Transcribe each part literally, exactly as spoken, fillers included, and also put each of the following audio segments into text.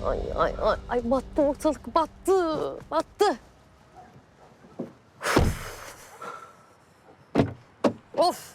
Ay ay ay ay battı ortalık battı. Battı. Of.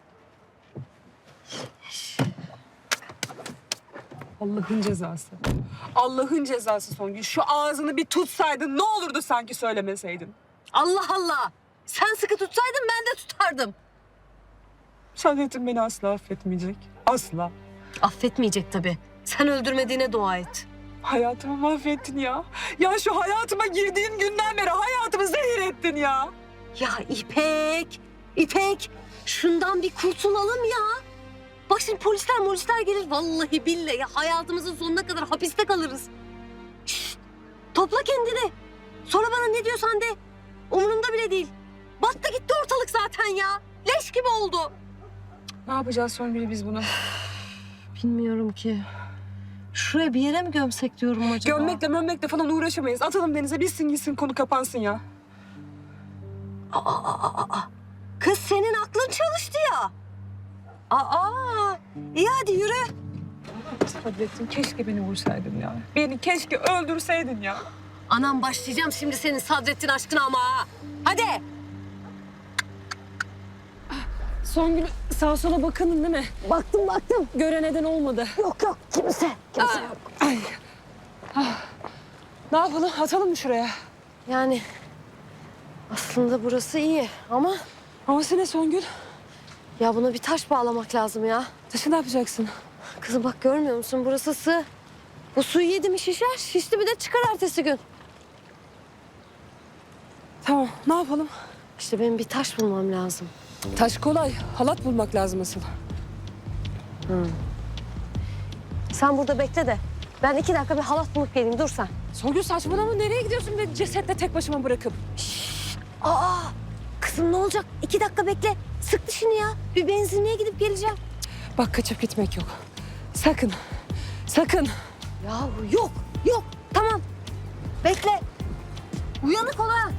Allah'ın cezası. Allah'ın cezası Songül. Şu ağzını bir tutsaydın ne olurdu sanki söylemeseydin. Allah Allah. Sen sıkı tutsaydın ben de tutardım. Saadettin beni asla affetmeyecek. Asla. Affetmeyecek tabii. Sen öldürmediğine dua et. Hayatımı mahvettin ya. Ya şu hayatıma girdiğin günden beri hayatımı zehir ettin ya. Ya İpek, İpek şundan bir kurtulalım ya. Bak şimdi polisler polisler gelir. Vallahi billahi hayatımızın sonuna kadar hapiste kalırız. Şşt, topla kendini. Sonra bana ne diyorsan de. Umurumda bile değil. Battı gitti ortalık zaten ya. Leş gibi oldu. Ne yapacağız Songül biz bunu? Bilmiyorum ki. Şuraya bir yere mi gömsek diyorum acaba? Gömmekle mömmekle falan uğraşamayız. Atalım denize bitsin gitsin konu kapansın ya. Aa, aa, aa, aa. Kız senin aklın çalıştı ya. Aa, iyi hadi yürü. Saadettin keşke beni vursaydın ya. Beni keşke öldürseydin ya. Anam başlayacağım şimdi senin Sadrettin aşkına ama ha. Hadi. Songül sağa sola bakının değil mi? Baktım baktım. Gören eden olmadı. Yok yok kimse. Kimse yok. Ay. Ah. Ne yapalım? Atalım mı şuraya? Yani aslında burası iyi ama Havası ne Songül? ya buna bir taş bağlamak lazım ya. Taşı ne yapacaksın? Kızım bak görmüyor musun burası sığ. Bu suyu yedi mi şişer, şişti bir de çıkar ertesi gün. Tamam, ne yapalım? İşte benim bir taş bulmam lazım. Taş kolay. Halat bulmak lazım asıl. Sen burada bekle de ben iki dakika bir halat bulup geleyim dur sen. Songül saçmalama. Nereye gidiyorsun beni cesetle tek başıma bırakıp? Aa kızım ne olacak? İki dakika bekle. Sık dişini ya. Bir benzinliğe gidip geleceğim. Bak kaçıp gitmek yok. Sakın. Sakın. Ya yok yok tamam. Bekle. Uyanık ol ha.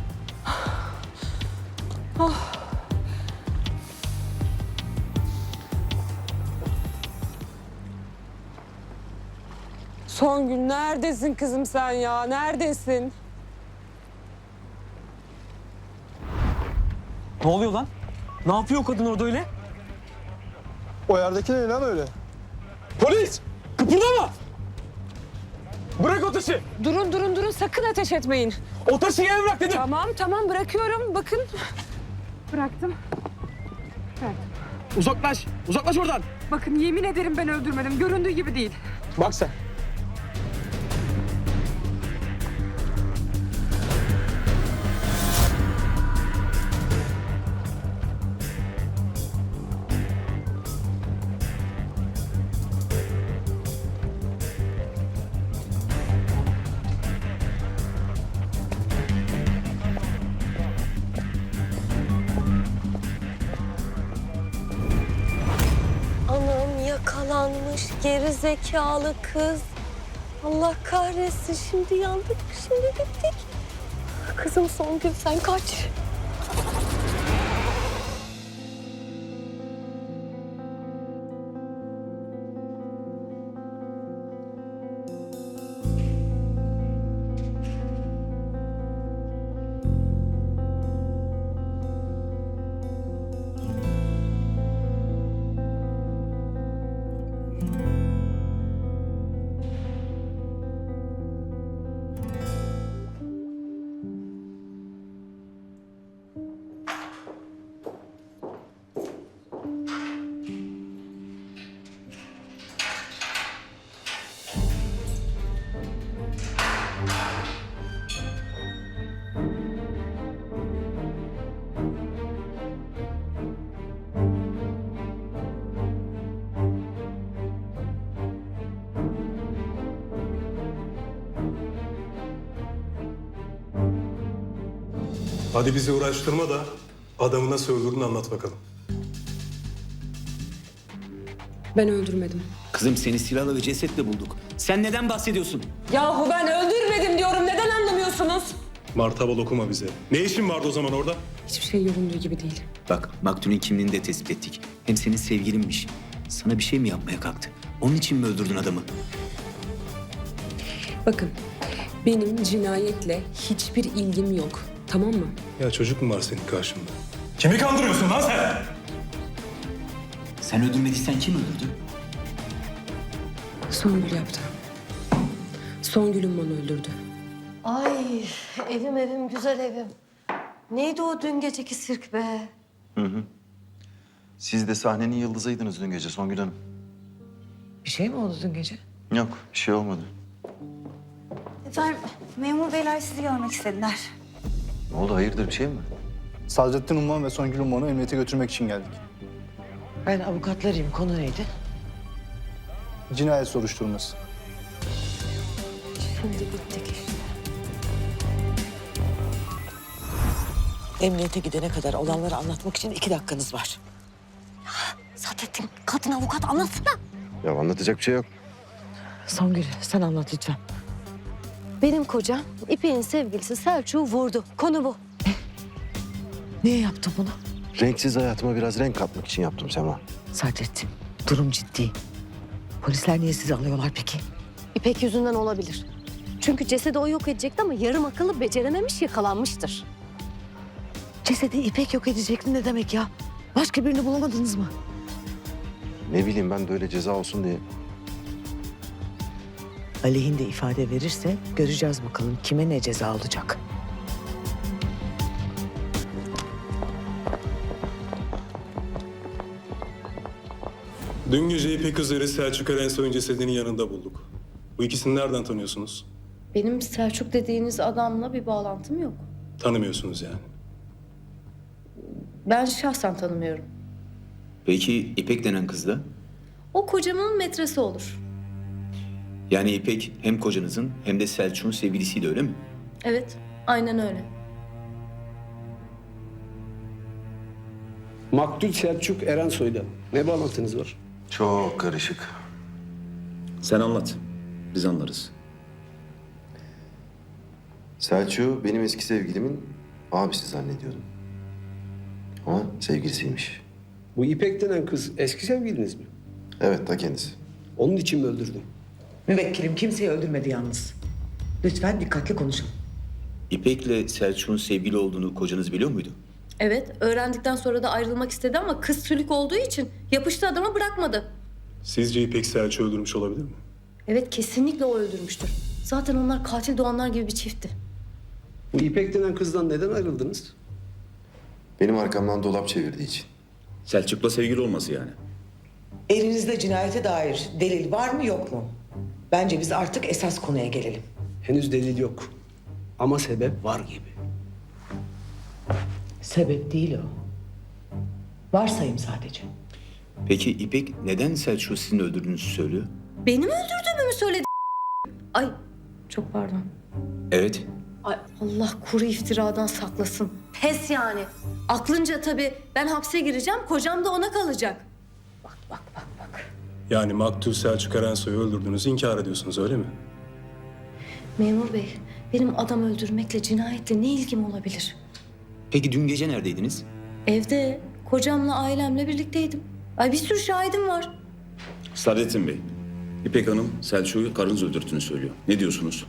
Songül neredesin kızım sen ya? Neredesin? Ne oluyor lan? Ne yapıyor o kadın orada öyle? O yerdeki ne lan öyle? Polis! Kıpırdama! Bırak o taşı! Durun durun durun sakın ateş etmeyin. O taşı yere bırak dedim! Tamam tamam bırakıyorum. Bakın. Bıraktım. Uzaklaş! Uzaklaş oradan! Bakın yemin ederim ben öldürmedim. Göründüğü gibi değil. Bak sen. Anam yakalanmış geri zekalı kız. Allah kahretsin şimdi yandık şimdi bittik. Kızım Songül sen kaç. Hadi bizi uğraştırma da adamı nasıl öldürdüğünü anlat bakalım. Ben öldürmedim. Kızım seni silahla ve cesetle bulduk. Sen neden bahsediyorsun? Yahu ben öldürmedim diyorum. Neden anlamıyorsunuz? Martabal okuma bize. Ne işin vardı o zaman orada? Hiçbir şey göründüğü gibi değil. Bak maktulün kimliğini de tespit ettik. Hem senin sevgilinmiş. Sana bir şey mi yapmaya kalktı? Onun için mi öldürdün adamı? Bakın, benim cinayetle hiçbir ilgim yok. Tamam mı? Ya çocuk mu var senin karşında? Kimi kandırıyorsun lan sen? Sen öldürmediysen kim öldürdü? Songül yaptı. Songül'ün bana öldürdü. Ay evim evim güzel evim. Neydi o dün geceki sirk be? Siz de sahnenin yıldızıydınız dün gece Songül Hanım. Bir şey mi oldu dün gece? Yok, bir şey olmadı. Efendim, memur beyler sizi görmek istediler. Ne oldu, hayırdır bir şey mi? Sadrettin Umman ve Songül Umman'ı emniyete götürmek için geldik. Ben avukatlarıyım. Konu neydi? Cinayet soruşturması. Şimdi bittik işte. Emniyete gidene kadar olanları anlatmak için iki dakikanız var. Sadrettin kadın avukat anlatsana. Ya anlatacak bir şey yok. Songül sen anlat lütfen. Benim kocam İpek'in sevgilisi Selçuk'u vurdu. Konu bu. Niye yaptın bunu? Renksiz hayatıma biraz renk katmak için yaptım Sema. Sadrettin, durum ciddi. Polisler niye sizi alıyorlar peki? İpek yüzünden olabilir. Çünkü cesedi o yok edecekti ama yarım akıllı becerememiş, yakalanmıştır. Cesedi İpek yok edecekti ne demek ya? Başka birini bulamadınız mı? Ne bileyim ben de öyle ceza olsun diye. Aleyhinde ifade verirse göreceğiz bakalım kime ne ceza olacak. Dün gece İpek üzeri Selçuk Erensoy'un cesedinin yanında bulduk. Bu ikisini nereden tanıyorsunuz? Benim Selçuk dediğiniz adamla bir bağlantım yok. Tanımıyorsunuz yani. Ben şahsen tanımıyorum. Peki İpek denen kız da? O kocamın metresi olur. Yani İpek hem kocanızın hem de Selçuk'un sevgilisiydi öyle mi? Evet, aynen öyle. Maktul Selçuk Erensoy'la ne bağlantınız var? Çok karışık. Sen anlat. Biz anlarız. Selçuk'u benim eski sevgilimin abisi zannediyordum. Ama sevgilisiymiş. Bu İpek denen kız eski sevgiliniz mi? Evet, ta kendisi. Onun için mi öldürdün? Müvekkilim kimseyi öldürmedi yalnız. Lütfen dikkatli konuşun. İpek'le Selçuk'un sevgili olduğunu kocanız biliyor muydu? Evet, öğrendikten sonra da ayrılmak istedi ama kız sülük olduğu için yapıştı adama, bırakmadı. Sizce İpek Selçuk'u öldürmüş olabilir mi? Evet, kesinlikle o öldürmüştür. Zaten onlar katil doğanlar gibi bir çiftti. Bu İpek denen kızdan neden ayrıldınız? Benim arkamdan dolap çevirdiği için. Selçuk'la sevgili olması yani. Elinizde cinayete dair delil var mı yok mu? Bence biz artık esas konuya gelelim. Henüz delil yok. Ama sebep var gibi. Sebep değil o. Varsayım sadece. Peki İpek neden Selçuk'u sizin öldürdüğünüzü söylüyor? Benim öldürdüğümü mü söyledi? Ay, çok pardon. Evet. Ay Allah kuru iftiradan saklasın. Pes yani. Aklınca tabii ben hapse gireceğim, kocam da ona kalacak. Bak bak bak bak. Yani Maktul Selçuk Erensoy'u öldürdüğünüzü inkar ediyorsunuz öyle mi? Memur bey, benim adam öldürmekle, cinayetle ne ilgim olabilir? Peki dün gece neredeydiniz? Evde, kocamla, ailemle birlikteydim. Ay bir sürü şahidim var. Sadrettin Bey, İpek Hanım Selçuk'u karınız öldürdüğünü söylüyor. Ne diyorsunuz?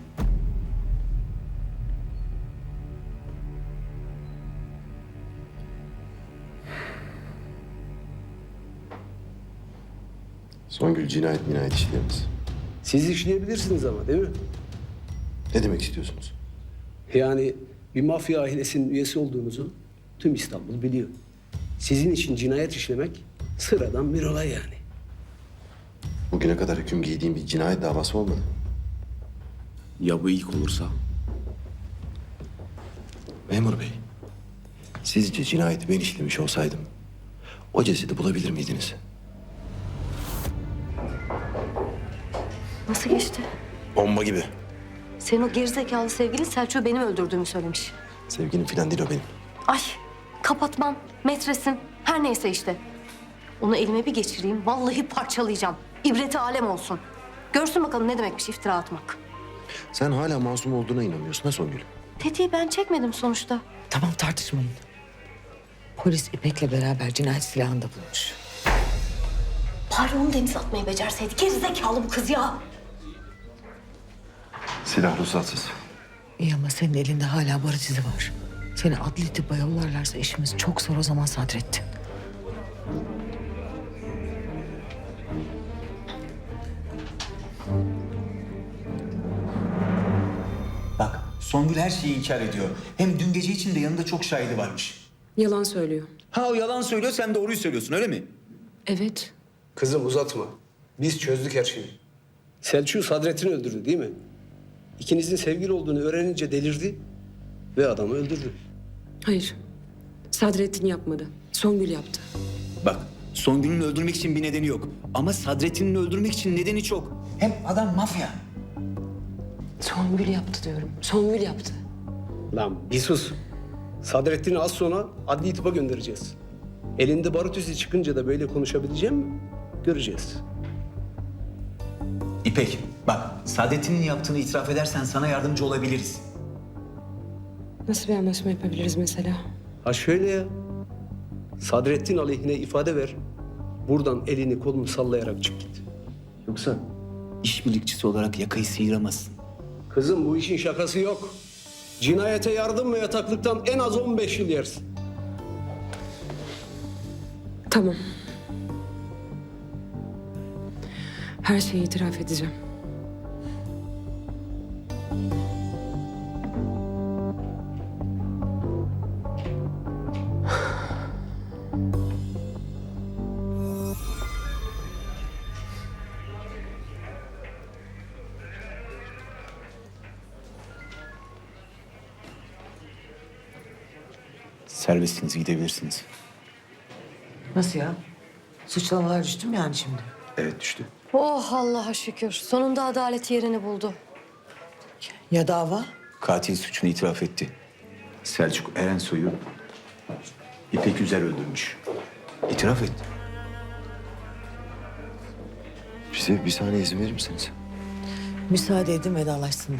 Songül cinayet minayet işlerimiz. Siz işleyebilirsiniz ama değil mi? Ne demek istiyorsunuz? Yani bir mafya ailesinin üyesi olduğunuzu tüm İstanbul biliyor. Sizin için cinayet işlemek sıradan bir olay yani. Bugüne kadar hüküm giydiğim bir cinayet davası olmadı. Ya bu ilk olursa? Memur bey, sizce cinayeti ben işlemiş olsaydım o cesedi bulabilir miydiniz? Nasıl geçti? Bomba gibi. Senin o gerizekalı sevgilin Selçuk'u benim öldürdüğümü söylemiş. Sevgilim falan değil o benim. Ay kapatmam, metresin, her neyse işte. Onu elime bir geçireyim, vallahi parçalayacağım. İbreti alem olsun. Görsün bakalım ne demekmiş iftira atmak. Sen hala masum olduğuna inanıyorsun ha Songül? Tetiği ben çekmedim sonuçta. Tamam tartışmayın. Polis İpek'le beraber cinayet silahını da bulmuş. Bari onu denize atmayı becerseydi. Gerizekalı bu kız ya. Silah ruhsatsız. İyi ama senin elinde hala barut izi var. Seni adli tıbba yollarlarsa işimiz çok zor o zaman Sadrettin. Bak Songül her şeyi inkar ediyor. Hem dün gece için de yanında çok şahidi varmış. Yalan söylüyor. Ha o yalan söylüyor, sen doğruyu söylüyorsun öyle mi? Evet. Kızım uzatma. Biz çözdük her şeyi. Selçuk Sadrettin'i öldürdü değil mi? İkinizin sevgili olduğunu öğrenince delirdi ve adamı öldürdü. Hayır. Sadrettin yapmadı. Songül yaptı. Bak Songül'ün öldürmek için bir nedeni yok. Ama Sadrettin'in öldürmek için nedeni çok. Hem adam mafya. Songül yaptı diyorum. Songül yaptı. Lan bir sus. Sadrettin'i az sonra adli tıpa göndereceğiz. Elinde barut izi çıkınca da böyle konuşabileceğim mi? Göreceğiz. İpek bak Sadrettin'in yaptığını itiraf edersen sana yardımcı olabiliriz. Nasıl bir anlaşma yapabiliriz mesela? Ha şöyle ya. Sadrettin aleyhine ifade ver. Buradan elini kolunu sallayarak çık git. Yoksa işbirlikçisi olarak yakayı sıyıramazsın. Kızım bu işin şakası yok. Cinayete yardım ve yataklıktan en az on beş yıl yersin. Tamam. Her şeyi itiraf edeceğim. Serbestsiniz, gidebilirsiniz. Nasıl ya? Suçlamalar düştü mü yani şimdi? Evet düştü. Oh Allah'a şükür. Sonunda adalet yerini buldu. Ya dava? Katil suçunu itiraf etti. Selçuk Erensoy'u İpek Üzer öldürmüş. İtiraf etti. Bize bir saniye izin verir misiniz? Müsaade edin vedalaşsınlar.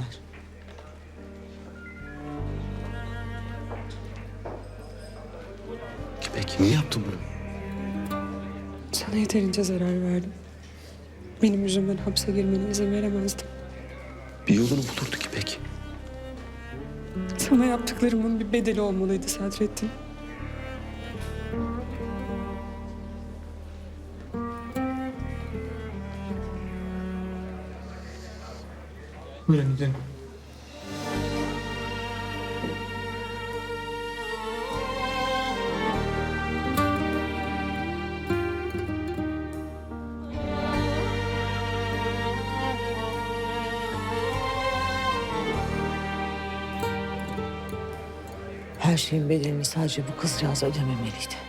Peki niye yaptın bunu? Sana yeterince zarar verdim. Benim yüzümden hapse girmene izin veremezdim. Bir yolunu bulurduk İpek. Sana yaptıklarımın bir bedeli olmalıydı Sadrettin. Buyurun gidelim. Her şeyin bedelini sadece bu kızcağız ödememeliydi.